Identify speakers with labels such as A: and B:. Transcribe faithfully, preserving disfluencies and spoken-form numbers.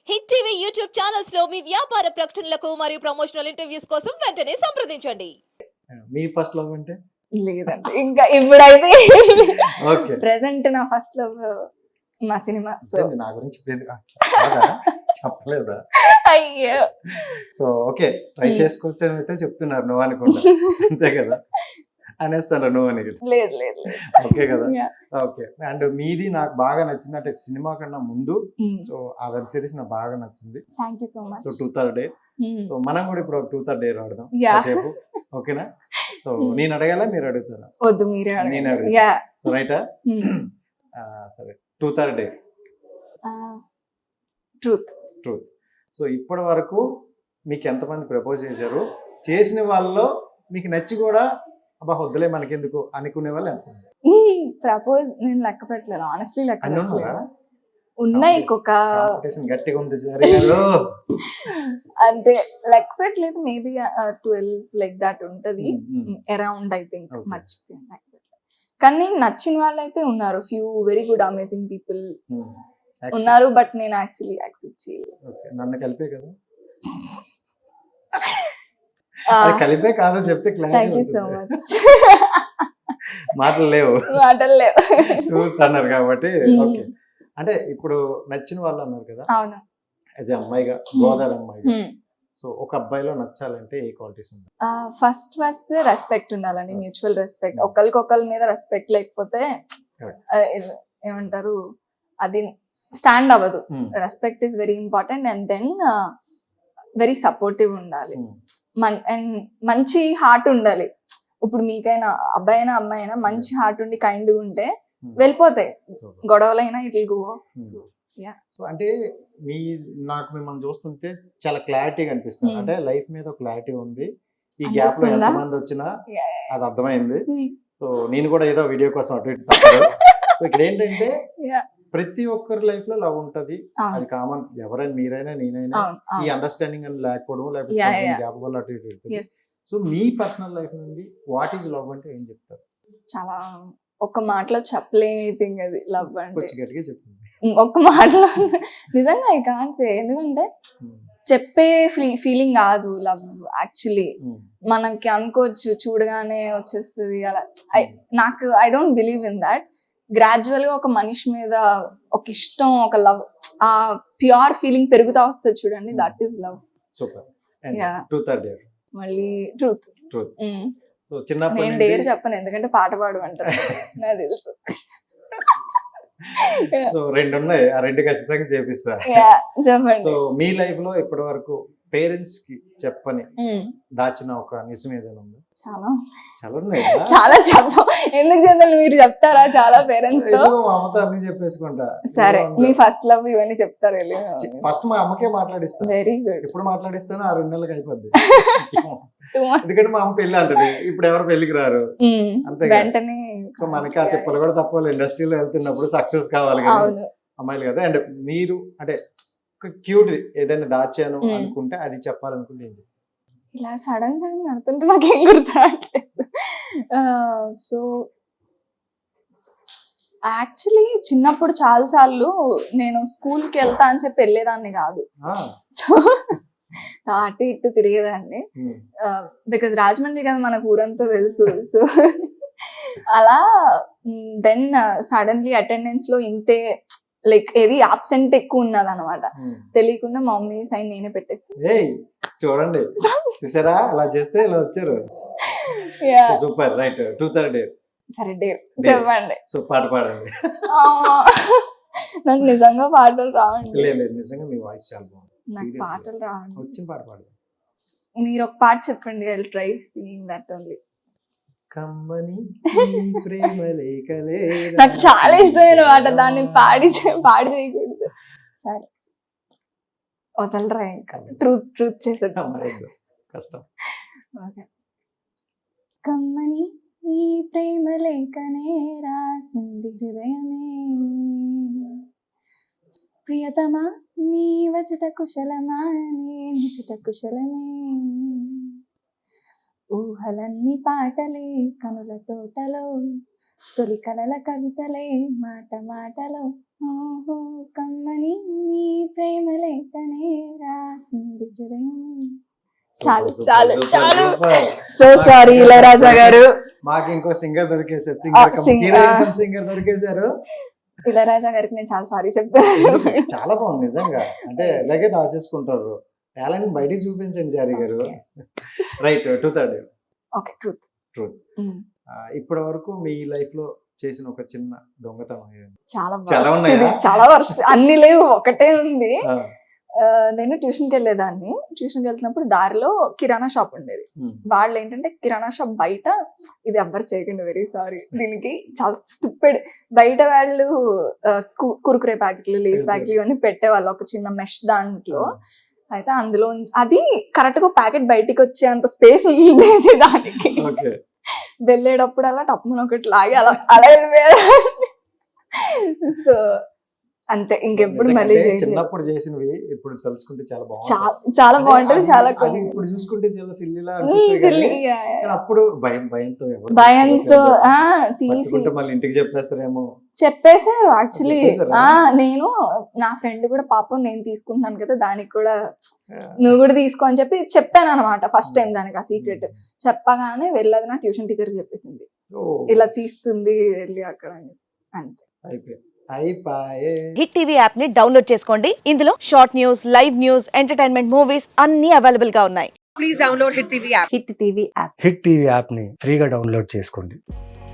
A: Hit TV YouTube channels లో మీ వ్యాపార ప్రకటనలకు మరియు ప్రమోషనల్ ఇంటర్వ్యూస్ కోసం వెంటనే సంప్రదించండి.
B: మీ ఫస్ట్ లవ్ అంటే
C: లేదండి ఇంకా ఇప్పుడైతే
B: ఓకే
C: ప్రెసెంట్ నా ఫస్ట్ లవ్ మా సినిమా. సో
B: నా గురించి ఇప్పుడు ఎందుకు? కాదా? చెప్పలేదా?
C: అయ్యో
B: సో ఓకే ట్రై చేసుకోవచ్చు అని అయితే చెప్తున్నారు నువ్వు అనుకుంటా అంతే కదా అనేస్తాను నువ్వు అని
C: లేదు లేదు లేదు.
B: ఓకే కదా
C: Yeah.
B: ఓకే అండ్ మీది నాకు బాగా నచ్చింది అంటే సినిమా కన్నా ముందు
C: Mm.
B: సో ఆ వెబ్ సిరీస్ నాకు బాగా నచ్చింది.
C: Thank you so much.
B: So two third day so మనం కూడా ఇప్పుడు టూ థర్డ్ డే ఆడదాం
C: Yeah.
B: కాసేపు ఓకేనా? So
C: Mm.
B: నేను అడగాల మీరు అడుగుతారా?
C: వద్దు మీరే
B: నేను అడుగుతా.
C: యా
B: సో రైటా సరే two third day
C: truth.
B: Truth. So ఇప్పటి వరకు మీకు ఎంతమంది ప్రపోజ్ చేశారు? చేసిన వాళ్ళలో మీకు నచ్చి కూడా అబ్బా వద్దులే మనకెందుకు అనుకునే వాళ్ళు ఎంత?
C: ప్రపోజ్ నేను లెక్క పెట్టలేదు ఆనెస్ట్లీ లెక్క
B: అన్ని
C: పెట్టలేదు.
B: ఉన్నారా?
C: ఉన్నాయి ఇంకొక
B: కాంపిటీషన్ గట్టిగా ఉంది సరే గారు.
C: అంటే లెక్క పెట్టలేదు మేబీ ట్వెల్వ్ లైక్ దాట్ ఉంటది
B: Mm, mm.
C: Around I think
B: Okay.
C: మర్చిపోయాను లెక్క పెట్టలేదు. కానీ నచ్చిన వాళ్ళు అయితే ఉన్నారు few very good amazing people
B: Hmm. Accept.
C: ఉన్నారు బట్ నేను యాక్చువల్లీ యాక్సెప్ట్ చేయలేదు.
B: Okay. నన్ను కలిపే కదా అది కలిపే కాదో చెప్తే
C: thank you so
B: clarity
C: much.
B: మాటలు లేవు
C: మాటలు లేవు.
B: ట్రూత్ అన్నారు కాబట్టి
C: Mm.
B: ఓకే. అంటే ఇప్పుడు నచ్చిన వాళ్ళు అన్నారు కదా
C: అవును.
B: యాజ్ అమ్మాయిగా గోదావరి అమ్మాయిగా సో ఒక అబ్బాయిలో నచ్చాలంటే ఏ క్వాలిటీస్ ఉంటాయి?
C: ఫస్ట్ ఫస్ట్ రెస్పెక్ట్ ఉండాలండి, మ్యూచువల్ రెస్పెక్ట్. ఒకరికొకరి మీద రెస్పెక్ట్ లేకపోతే
B: Correct.
C: ఆ, ఏ- ఏమంటారు అది స్టాండ్ అవ్వదు.
B: Mm.
C: Respect is very important and then very supportive ఉండాలి.
B: Mm.
C: మన్ అండ్ మంచి హార్ట్ ఉండాలి. ఇప్పుడు మీకైనా అబ్బాయి అయినా అమ్మాయి అయినా మంచి హార్ట్ ఉండి కైండ్ ఉంటే
B: Mm.
C: వెళ్ళిపోతాయి
B: So,
C: గొడవలైనా it will go off.
B: Mm.
C: yeah.
B: So అంటే మీ నాకు మిమ్మల్ని చూస్తుంటే చాలా క్లారిటీగా అనిపిస్తుంది.
C: Hmm.
B: అంటే లైఫ్ మీద క్లారిటీ ఉంది. ఈ గ్యాప్ లో
C: అనిపిస్తుందా?
B: ఎంతమంది వచ్చినా అది అర్థమైంది.
C: Hmm.
B: సో నేను కూడా ఏదో వీడియో కోసం అటు ఇటు తప్పదు. సో ఇక్కడ ఏంటంటే
C: Yeah.
B: ప్రతి ఒక్కరి లైఫ్ లో లవ్ ఉంటది.
C: అవును
B: అది కామన్. ఎవరైనా మీరైనా నేనైనా
C: అవును
B: ఈ
C: అవును.
B: అండర్స్టాండింగ్ అని లేకపోవడం
C: Yeah, yeah.
B: లేకపోతే గ్యాప్ వల్ల అటు ఇటు వెళ్తుంది.
C: Yes.
B: సో మీ పర్సనల్ లైఫ్ నుండి వాట్ ఈజ్ లవ్ అంటే ఏం చెప్తారు?
C: చాలా ఒక మాటలో చెప్పలేని థింగ్ అది లవ్ అంటే.
B: కొంచెం గట్టిగా చెప్తుంది.
C: ఉమ్, ఒక్క మాటలో నిజంగా ఐ కాంట్ సే. ఎందుకంటే చెప్పే ఫీలింగ్ కాదు లవ్ యాక్చువల్లీ. మనకి అనుకోవచ్చు చూడగానే వచ్చేస్తుంది అలా. I- నాకు I don't believe in that. Gradual గా ఒక మనిషి మీద ఒక ఇష్టం ఒక లవ్ ఆ ప్యూర్ ఫీలింగ్ పెరుగుతా వస్తుంది చూడండి, that is love.
B: Super.
C: Yeah.
B: Two third year
C: మళ్ళీ ట్రూత్.
B: ట్రూత్. సో చిన్నప్పటి
C: నేను
B: నుండి
C: డేర్ చెప్పను ఎందుకంటే పాట పాడమంటారు నాకు తెలుసు.
B: సో రెండు ఉన్నాయి, ఆ రెండు ఖచ్చితంగా చేపిస్తా.
C: Yeah, చెప్పండి.
B: సో మీ లైఫ్ లో ఇప్పటి వరకు పేరెంట్స్ కి చెప్పని
C: ఉమ్,
B: దాచిన ఒక నిజం ఏదైనా ఉందా?
C: చాలా
B: చాలా ఉన్నాయి.
C: చాలా చెప్ప ఎందుకు చేద్దాం మీరు చెప్తారా చాలా పేరెంట్స్ తో?
B: మా అమ్మతో అన్ని చెప్పేసుకుంటా.
C: సరే మీ ఫస్ట్ లవ్ ఇవన్నీ చెప్తారు వెళ్ళి.
B: ఫస్ట్ మా అమ్మకే మాట్లాడిస్తాను.
C: Very good.
B: ఎప్పుడు మాట్లాడిస్తాను ఆ రెండు నెలలకు అయిపోద్ది. ఎందుకంటే మా అమ్మ పెళ్లి అంటది, ఇప్పుడు ఎవరు పెళ్లికి రారు అంతే కదా.
C: వెంటనే
B: సో మనకి ఆ తిప్పలు కూడా తప్పవాలి. ఇండస్ట్రీలో వెళ్తున్నప్పుడు సక్సెస్ కావాలి కదా
C: అవును.
B: అమ్మాయిలు కదా. అండ్ మీరు అంటే ఒక క్యూట్ ఏదైనా దాచాను
C: Mm.
B: అనుకుంటే అది చెప్పాలనుకుంటే ఏం చెప్తారు?
C: ఇలా సడన్ సడన్ నడుతుంటే నాకేం గుర్తురావట్లేదు. సో యాక్చువల్లీ చిన్నప్పుడు చాలా సార్లు నేను స్కూల్కి వెళ్తా అని చెప్పి వెళ్ళేదాన్ని కాదు.
B: ఆ,
C: సో అటు ఇటు తిరిగేదాన్ని.
B: mm.
C: బికాజ్ రాజమండ్రి కదా మనకు ఊరంతా తెలుసు. సో అలా దెన్ సడన్లీ అటెండెన్స్ లో ఇంతే లైక్ ఏది ఆబ్సెంట్ ఎక్కువ ఉన్నది అనమాట.
B: Mm.
C: తెలియకుండా మా మమ్మీ సైన్ నేనే పెట్టేసి.
B: ఏయ్ చూడండి చూసారా అలా చేస్తే ఇలా వచ్చారు.
C: Yeah.
B: Super right. టూ థర్డ్ డే.
C: సరే డేర్ చెప్పండి.
B: సో పాట పాడండి.
C: ఆ, నాకు నిజంగా పాటలు రావండి.
B: లేదు లేదు నిజంగా మీ వాయిస్ చాలా బాగుంది.
C: నాకు
B: Seriously.
C: పాటలు రావండి.
B: వచ్చిన పాట పాడు.
C: మీరు ఒక పాట చెప్పండి. I will try singing that only.
B: కమ్మని ఈ ప్రేమ లేఖలే
C: నాకు చాలా ఇష్టమైన పాట, దాన్ని పాడి చే- పాడి చేయకూడదు. సరే వదలరా ఇంకా ట్రూత్ ట్రూత్ చేసేద్దాం.
B: మరేందో కష్టం.
C: ఓకే. కమ్మని ఈ ప్రేమ లేఖనే రాసింది హృదయమే, ప్రియతమా నీ వచట కుశలమా నే నిచట కుశలమే, ఊహలన్నీ పాటలే కనుల తోటలో తొలి కలల కవితలే మాట మాటలో ఓహో కమ్మని నీ ప్రేమ లేఖనే రాసింది హృదయం. చాలు
B: Super,
C: చాలు
B: super,
C: చాలు
B: super.
C: సో సారీ ఇళయరాజా గారు.
B: మాకు ఇంకో సింగర్ దొరికేశారు
C: ఆ,
B: సింగర్
C: sing-
B: హీరోయిన్ సింగర్ దొరికేశారు.
C: ఇళయరాజా గారికి నేను చాలా సారీ చెప్తాను.
B: చాలా బాగుంది నిజంగా. అంటే ఇలాగే దాచేసుకుంటారు. టాలెంట్ బయటికి చూపించండి జారీ గారు. రైట్ టూ థర్డ్
C: ఓకే ట్రూత్.
B: ట్రూత్. ఇప్పటి వరకు మీ లైఫ్ లో చేసిన ఒక చిన్న దొంగతనం ఏది?
C: చాలా
B: చాలా
C: worst
B: ఉన్నాయా?
C: ఇది, చాలా వర్స్ట్. అన్ని లేవు, ఒకటే ఉంది.
B: ఆ,
C: ఆ, నేను ట్యూషన్కి వెళ్ళేదాన్ని. ట్యూషన్కి వెళ్తున్నప్పుడు దారిలో కిరాణా షాప్ ఉండేది.
B: ఉమ్,
C: వాళ్ళు ఏంటంటే కిరాణా షాప్ బయట, ఇది ఎవ్వరు చేయకండి, వెరీ సారీ, దీనికి చాలా స్టూపిడ్, బయట వాళ్ళు ఆ, కు- కురుకురే ప్యాకెట్లు, లేస్ ప్యాకెట్లు ఇవన్నీ పెట్టేవాళ్ళు ఒక చిన్న మెష్ దాంట్లో. అయితే అందులో ఉం- అది కరెక్ట్ గా ప్యాకెట్ బయటికి వచ్చే అంత స్పేస్ ఉండేది దానికి.
B: ఓకే.
C: వెళ్ళేటప్పుడు అలా టప్పున ఒకటి లాగి అలా అలా వెళ్ళిపోయాడు. సో అంతే, ఇంకెప్పుడు
B: నిజంగా
C: మళ్ళీ
B: అంటే
C: చేయలేదు.
B: చిన్నప్పుడు చేసినవి ఇప్పుడు తలుచుకుంటే చాలా బాగుంది.
C: చాలా చాలా బాగుంటుంది, చాలా కొన్ని
B: ఇప్పుడు చూసుకుంటే చాలా సిల్లిలా
C: ఉమ్,
B: అనిపిస్తాయి
C: silly,
B: కానీ
C: yeah, yeah.
B: అప్పుడు భయం భయంతో ఎవరు
C: భయంతో
B: పట్టుకోవట్లేదు.
C: ఆ తీసి
B: పట్టుకుంటే మళ్ళీ ఇంటికి చెప్పేస్తారేమో.
C: చెప్పేశారు యాక్చువల్లీ.
B: చెప్పేశారా?
C: ఆ నేను నా ఫ్రెండ్ కూడా పాపం నేను తీసుకుంటున్నాను కదా దానికి కూడా నువ్వు కూడా తీసుకో అని చెప్పి చెప్పాను అనమాట ఫస్ట్ టైం దానికి ఆ సీక్రెట్. చెప్పగానే వెళ్ళదు నా ట్యూషన్ టీచర్ చెప్పేసింది,
B: ఓ,
C: ఇలా తీస్తుంది వెళ్ళి అక్కడ అని చెప్పేసి. అంతే.
B: అయిపోయి అయిపోయే.
D: హిట్ టీవీ యాప్ ని డౌన్లోడ్ చేసుకోండి. ఇందులో short news, live news, entertainment movies అన్ని అవైలబుల్ గా ఉన్నాయి.
E: Please download Hit T V app.
D: Hit TV app.
F: Hit TV యాప్ని ఫ్రీగా డౌన్లోడ్ చేసుకోండి.